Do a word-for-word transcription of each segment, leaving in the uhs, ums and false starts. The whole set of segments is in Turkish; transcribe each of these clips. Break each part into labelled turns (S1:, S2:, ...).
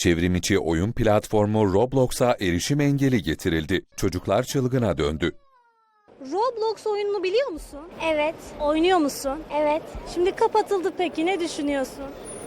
S1: Çevrimiçi oyun platformu Roblox'a erişim engeli getirildi. Çocuklar çılgına döndü.
S2: Roblox oyununu biliyor musun?
S3: Evet,
S2: Oynuyor musun?
S3: evet.
S2: Şimdi kapatıldı, peki ne düşünüyorsun?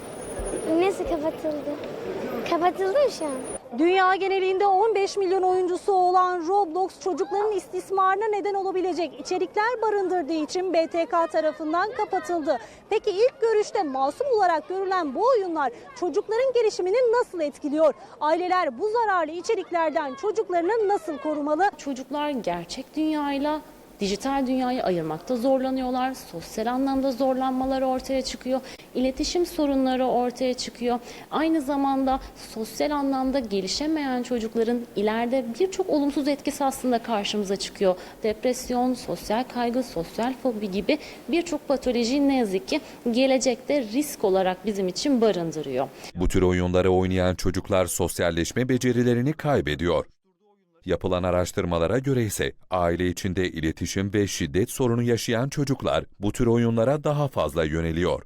S3: Nasıl kapatıldı? Kapatıldı mı şu an?
S2: Dünya genelinde on beş milyon oyuncusu olan Roblox çocukların istismarına neden olabilecek içerikler barındırdığı için B T K tarafından kapatıldı. Peki ilk görüşte masum olarak görülen bu oyunlar çocukların gelişimini nasıl etkiliyor? Aileler bu zararlı içeriklerden çocuklarını nasıl korumalı?
S4: Çocuklar gerçek dünyayla dijital dünyayı ayırmakta zorlanıyorlar. Sosyal anlamda zorlanmaları ortaya çıkıyor. İletişim sorunları ortaya çıkıyor. Aynı zamanda sosyal anlamda gelişemeyen çocukların ileride birçok olumsuz etkisi aslında karşımıza çıkıyor. Depresyon, sosyal kaygı, sosyal fobi gibi birçok patoloji ne yazık ki gelecekte risk olarak bizim için barındırıyor.
S1: Bu tür oyunları oynayan çocuklar sosyalleşme becerilerini kaybediyor. Yapılan araştırmalara göre ise aile içinde iletişim ve şiddet sorunu yaşayan çocuklar bu tür oyunlara daha fazla yöneliyor.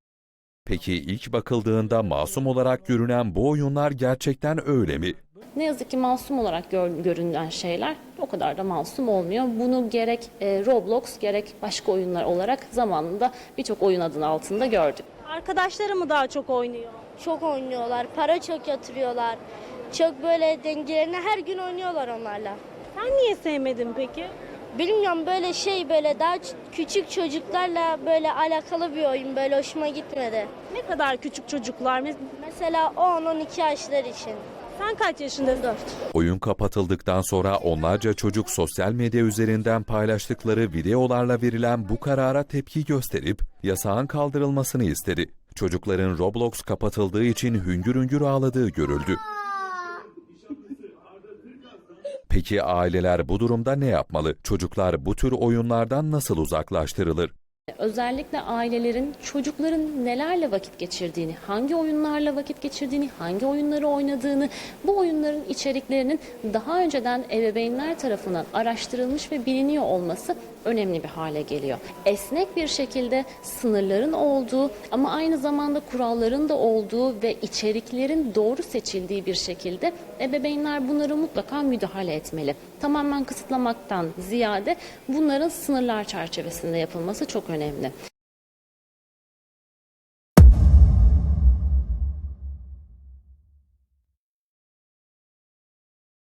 S1: Peki ilk bakıldığında masum olarak görünen bu oyunlar gerçekten öyle mi?
S4: Ne yazık ki masum olarak gör, görünen şeyler o kadar da masum olmuyor. Bunu gerek e, Roblox gerek başka oyunlar olarak zamanında birçok oyun adının altında gördük.
S2: Arkadaşları mı daha çok oynuyor?
S5: Çok oynuyorlar, para çok yatırıyorlar. Çok böyle dengelerine her gün oynuyorlar onlarla.
S2: Sen niye sevmedin peki?
S5: Bilmiyorum, böyle şey, böyle daha ç- küçük çocuklarla böyle alakalı bir oyun, böyle hoşuma gitmedi.
S2: Ne kadar küçük çocuklar? Mes-
S5: Mesela on on iki yaşlar için.
S2: Sen kaç yaşındasın?
S1: Oyun kapatıldıktan sonra onlarca çocuk sosyal medya üzerinden paylaştıkları videolarla verilen bu karara tepki gösterip yasağın kaldırılmasını istedi. Çocukların Roblox kapatıldığı için hüngür hüngür ağladığı görüldü. Peki aileler bu durumda ne yapmalı? Çocuklar bu tür oyunlardan nasıl uzaklaştırılır?
S4: Özellikle ailelerin çocukların nelerle vakit geçirdiğini, hangi oyunlarla vakit geçirdiğini, hangi oyunları oynadığını, bu oyunların içeriklerinin daha önceden ebeveynler tarafından araştırılmış ve biliniyor olması önemli bir hale geliyor. Esnek bir şekilde sınırların olduğu ama aynı zamanda kuralların da olduğu ve içeriklerin doğru seçildiği bir şekilde ebeveynler bunlara mutlaka müdahale etmeli. Tamamen kısıtlamaktan ziyade bunların sınırlar çerçevesinde yapılması çok önemli.